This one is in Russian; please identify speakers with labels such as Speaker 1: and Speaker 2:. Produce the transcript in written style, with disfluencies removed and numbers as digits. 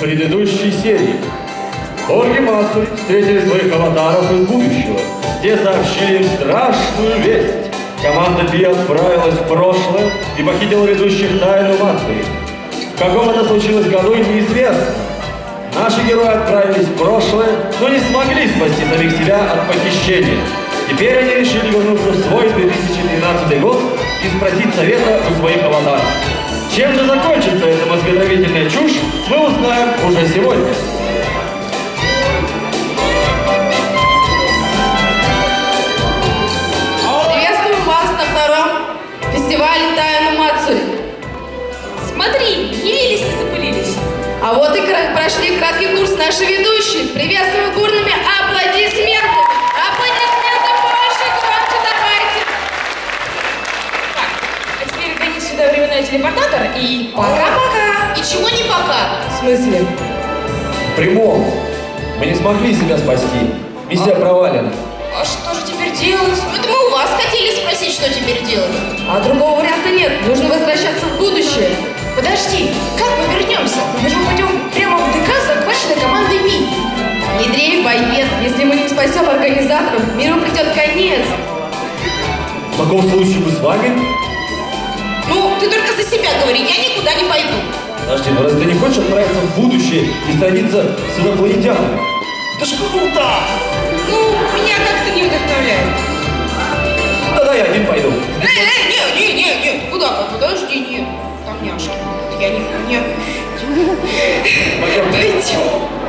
Speaker 1: предыдущей серии. Орги Мацури встретили своих аватаров из будущего, где сообщили им страшную весть. Команда Би отправилась в прошлое и похитила ведущих тайну Мацури. В каком это случилось году, неизвестно. Наши герои отправились в прошлое, но не смогли спасти самих себя от похищения. Теперь они решили вернуться в свой 2013 год и спросить совета у своих аватаров. Чем же закончится эта мозготравительная чушь, мы узнаем уже сегодня.
Speaker 2: Приветствуем вас на втором фестивале Тайна Мацури.
Speaker 3: Смотри, явились, не запылились.
Speaker 2: А вот и прошли краткий курс наши ведущие. Приветствуем бурными аплодисментами. Аплодисменты больше, громче давайте.
Speaker 3: Так, а теперь гони сюда временной телепортатор и пока-пока.
Speaker 2: И чего не пока?
Speaker 3: В смысле?
Speaker 1: В прямом. Мы не смогли себя спасти. Миссия провалена.
Speaker 3: А что же теперь делать?
Speaker 2: Это мы у вас хотели спросить, что теперь делать.
Speaker 3: А другого варианта нет.
Speaker 2: Нужно возвращаться в будущее.
Speaker 3: Подожди, как мы вернемся? Мы же пойдем прямо в ДК с захваченной командой Би.
Speaker 2: Не дрейф, боец. Если мы не спасем организаторов, миру придет конец.
Speaker 1: В таком случае мы с вами?
Speaker 2: Ну, ты только за себя говори, я никуда не пойду.
Speaker 1: Подожди, ну разве ты не хочешь отправиться в будущее и садиться с инопланетянами? Это ж круто!
Speaker 3: Ну, меня как-то не вдохновляет.
Speaker 1: Тогда я один пойду.
Speaker 3: Не, куда? Подожди, нет. Там няшки. Я не...
Speaker 1: Пойдем.
Speaker 3: Пойдем.